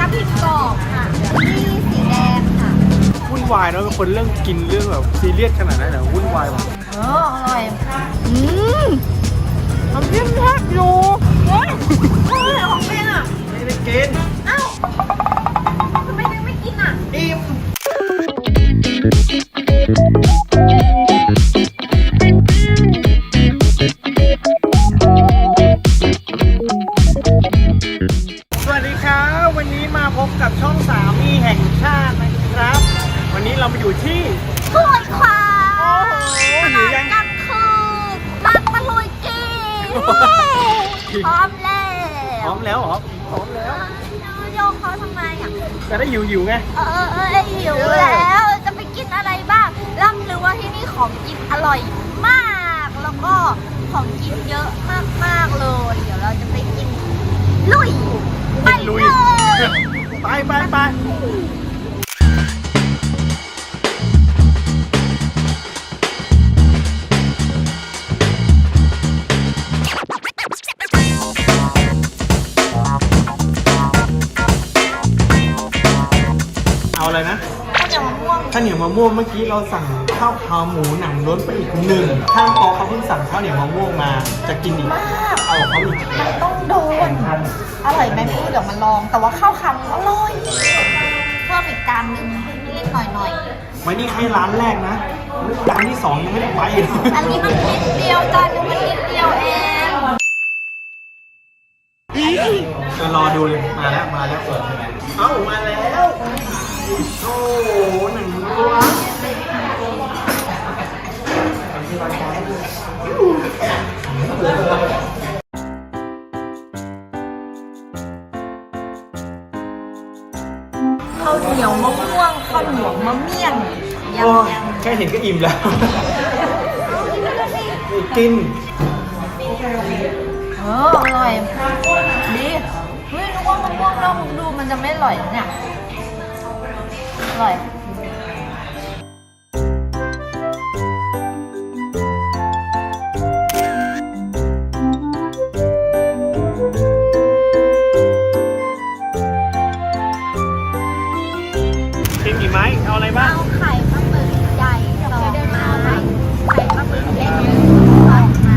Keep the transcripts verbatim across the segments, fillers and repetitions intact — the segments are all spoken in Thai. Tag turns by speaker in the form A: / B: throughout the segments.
A: พริกกรอบค่ะนี่สีแดงค่ะ
B: วุ่นวายเนาะเป็นคนเรื่องกินเรื่องแบบซีเรียสขนาดนั้นเหรอวุ่นวายว่ะ
A: เอออร่อยอืมน้ำจิ้มแซ่บอยู่เฮ้ยเฮ้ยของเป็นอ่ะ
B: ไม่ได้กิน
A: อ้าวทำไมยังไม่กินอ่ะ
B: อิ่มสวัสดีครับวันนี้มาพบกับช่องสามีแห่งชาตินะครับ วันนี้เรามาอยู่ที่
A: ห้วยขวาง
B: โอ้โหอยู่ยัง
A: กันคือร้านตะลุยกีพร้อมแล้ว
B: พร้อมแล้วเหรอพร้อมแล้ว
A: โยกเขาทำไมอ่ะ
B: จะได้หิวหิวไง
A: เออเออหิวแล้วจะไปกินอะไรบ้างร่ำลือว่าที่นี่ของกินอร่อยมากแล้วก็ของกินเยอะมากๆเลยเดี๋ยวเราจะไปกินลุยไปเลย
B: ไปไปไปเอาอะไรนะข้าวเหนียวมะม่วงเมื่อกี้เราสั่งข้าวขาหมูหนังล้นไปอีกหนึ่งข้างโต๊ะเขาเพิ่งสั่งข้าวเหนียวมะม่วงมาจะกินอีกเอาเขาอีก
A: มันต้องโดนอร่อยไหมพี่เดี๋ยวมาลองแต่ว่าข้าวขาหมูอร่อยเพิ่มอีกจานหนึ่งนิดหน่อยหน่อย
B: ไม่นี่แค่ร้านแรกนะร้านที่สองยังไม่ได้ไป
A: อันนี้มันนิดเดียวจานนึงมันนิดเดียวเอง
B: จะรอดูเลยมาแล้วมาแล้วเอ้ามาแล้วโอ้หนังวัว
A: ข้าวเหนียวมะม่วงข้าวเหนียวมะเมี่ยงย
B: ำแค่เห็นก็อิ่มแล้วกิน
A: เอออร่อยดีเฮ้ยนึกว่ามะม่วงนอกดูมันจะไม่อร่อยเนี่ยอร่อย
B: กินกี่ไม้เอาอะไรบ้าง
A: เอาไข่ปลาหมึกใหญ่สองไม้ไข่ปลาหมึกเล็กสองไม้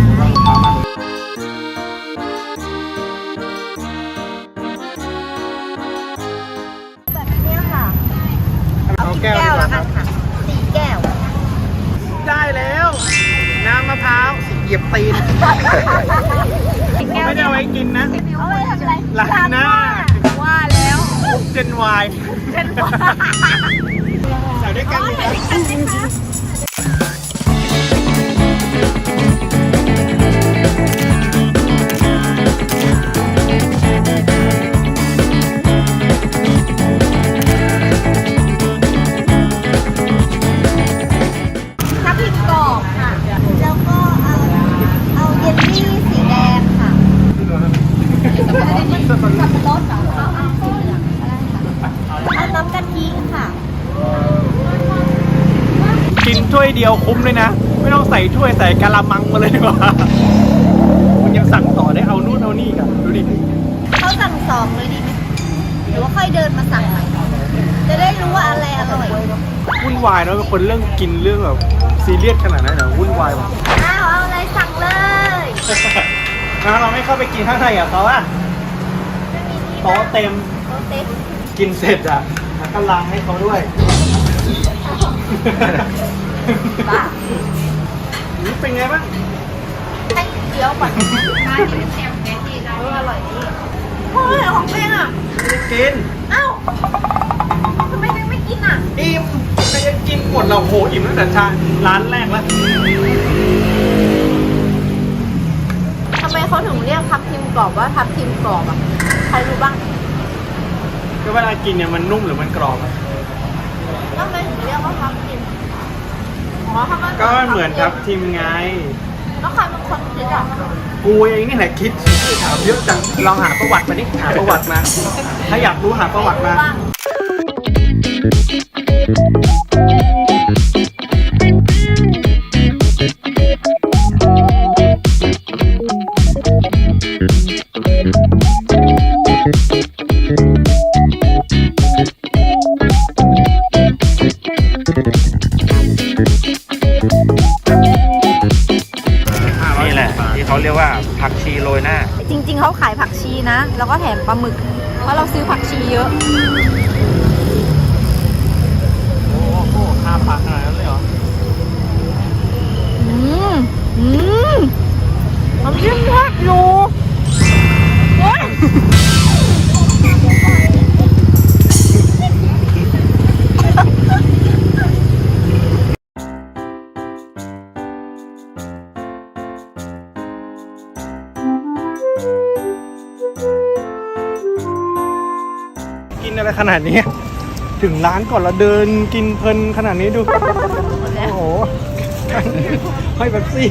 A: แบบนี้ค่ะเอากี่แก้วแล้วกันค่ะสี่แก้ว
B: ได้แล้วน้ำมะพร้าวเหยียบตีนไม่ได้เอาไว้กินนะ
A: เอาไว้ทำอะไร
B: ล้างหน้า
A: ว่าแล้ว
B: เจนวาย
A: เจนวาย
B: ใส่ด้วยกันเลย
A: ทับทิมกรอบค่ะแล้วก็เอาเอาเยลลี่สีแดงค่ะสับปะรดเหรอเอาเอาสีเหลืองก็ได้ค่ะเอาน้ำกะทิค่ะ
B: กินถ้วยเดียวคุ้มเลยนะไม่ต้องใส่ถ้วยใส่กะละมังมาเลยดีกว่ามันยังสั่งต่อได้เอานู่นเอานี่กันดูดิ
A: เขาสั่งสองเลยดีไหมหรือว่าค่อยเดินมาสั่งใหม่จะได้รู้ว่าอะไรอร่อย
B: วุ่นวายเนาะเป็นคนเรื่องกินเรื่องแบบซีเรียสขนาดนั้นเหรอวุ่นวายว่ะ
A: อ้าวเอาอะไรสั่งเลย
B: นะเราไม่เข้าไปกินข้างในอ่ะเขาอะโต๊ะเต็ม
A: โต๊ะเต็ม
B: กินเสร็จอ่ะแล้วก็ล้างให้เขาด้วย
A: บ้า
B: นี่เป็นไงบ้าง
A: ให้เคี้ยวก่อนมาดิแซมแกงดีนะอร่อยดีเฮ้ยของเป็นอ่ะ
B: ไม่กิน
A: อ้าวทำไมยังไม่กินอ่ะ
B: อิ่มไม่ได้กินหมดเราโหอิ่มตั้งแต่ชาร้านแรกแล้ว
A: ทำไมเขาถึงเรียกทับทิมกรอบว่าทับทิมกรอบอ่ะใครรู้บ้าง
B: ก็เวลากินเนี่ยมันนุ่มหรือมันกรอบ
A: ทำไมถึงเรียกว่าทับทิม
B: ก็เหมือนทับทิมไง
A: แล้วใครเป็นคนคิดอ่ะ
B: กูเองนี่แหละคิดถามเยอะจังลองหาประวัติมาดิหาประวัติมาถ้าอยากรู้หาประวัติมา
A: แล้วก็แถมปลาหมึก เพราะเราซื้อผักชีเยอะ
B: โอ้โหค่าปลาขนาดนั้นเลยเหรอ
A: อืม อืมน้ำจิ้มทอดอยู่โอ้ย
B: กินอะไรขนาดนี้ ถึงร้านก่อนเราเดินกินเพลินขนาดนี้ดู โอ้โหให้เป๊ปซี่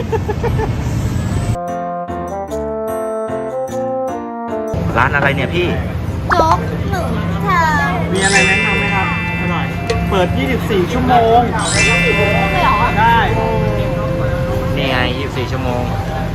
C: ร้านอะไรเนี่ยพี่
A: โจ๊กหนึ่งค่ะ
B: มีอะไรแนะนำไหมครับอร่อย เปิด ยี่สิบสี่ ชั่วโมง
A: สี่โมงเลยเหรอ
B: ได้
C: นี่ไงยี่สิบสี่ชั่วโมง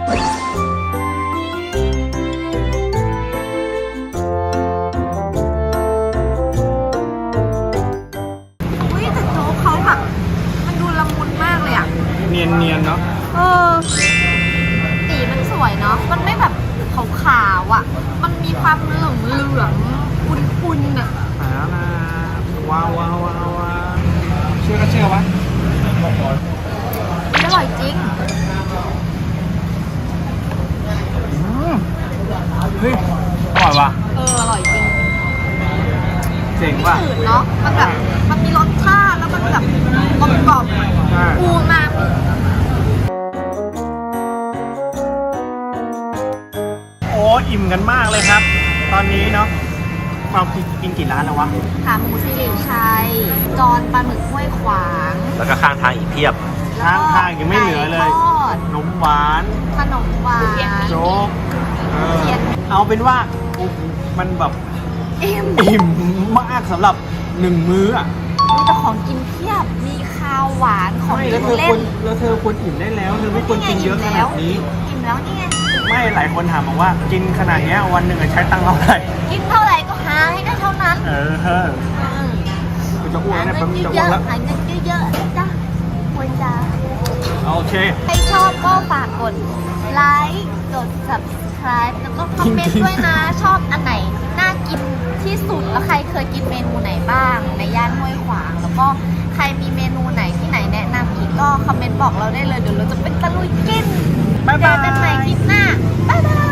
A: อุ้ยแต่โจ๊กเขาแบบมันดูละมุนมากเลยอ่ะ
B: เนียนเนียนๆเนาะ
A: เออสีมันสวยเนาะ มันไม่แบบขาวๆอ่ะ มันมีความเหลืองเหลืองๆอุ่นๆอ่ะ
B: หามาว้าวว้าวว้าวว้าวเชื่อก็เชื่อวะ
A: อร่อยจริง
B: อืมเฮ้ยอร่อยว่ะ
A: เออ อร่อยจริง
B: เจ๋ง
A: ไม่
B: ว่ะ
A: จืดเนาะ มันแบบ มันมีรสชาติแล้วมันแบบกลมกล่อม
B: ใช่
A: อูมา
B: โอ้อิ่มกันมากเลยครับ ตอนนี้เนาะเรากินกี่ร้านแล้ววะ
A: ขาหมูสิริชัย จอนปลาหมึกห้วยขวาง
C: แล้วก็ข้างทางอีกเพียบ
B: ข้างทางยังไม่เหลือเลย
A: ไก่ทอด
B: ขนมหวาน
A: ขนมหวาน
B: โจ๊กเออ
A: เทียน
B: เอาเป็นว่าโอ้โหมันแบบ
A: อิ่ม
B: อิ่มมากสำหรับหนึ่งมื้ออ่ะ
A: มีแต่ของกินเพียบ มีข้าวหวานของ
B: ไม่
A: กิ
B: แล้ว
A: น
B: เธอ
A: เล่
B: ควร
A: น
B: แล้วเธอควรอิ่มได้แล้วเธอไม่ควรกินเยอะขนาดนี้
A: อิ่มแล้วนี่ไง
B: ไม่หลายคนถามบอกว่ากินขนาดเนี้ยวันหนึ่งอะใช้ตังค์เท่าไหร่
A: กินเท่าไหร่ก็หาให้ได้เท่านั้น
B: เออเฮ้อกูจะอ้วก
A: หา
B: แล้ว
A: เงิ
B: เนี่ย
A: น
B: แป๊บนึงจะ
A: เย
B: อ้ว
A: อะ
B: กแล้ว
A: ๆหาเงินเยอะๆนะจ๊ะควรจะ
B: โอเค
A: ใครชอบก็ฝากกดไลค์กด subscribe แล้วก็คอมเมนต์ด้วยนะ ชอบอันไหน น่ากินที่สุด แล้วใครเคยกินเมนูไหนบ้าง ในย่านห้วยขวาง แล้วก็ใครมีเมนูไหนที่ไหนแนะนำอีกก็คอมเมนต์บอกเราได้เลย เดี๋ยวเราจะเป็นตะลุยกิน
B: บ๊ายบาย
A: เจอกันใหม่คลิปหน้า บ๊ายบาย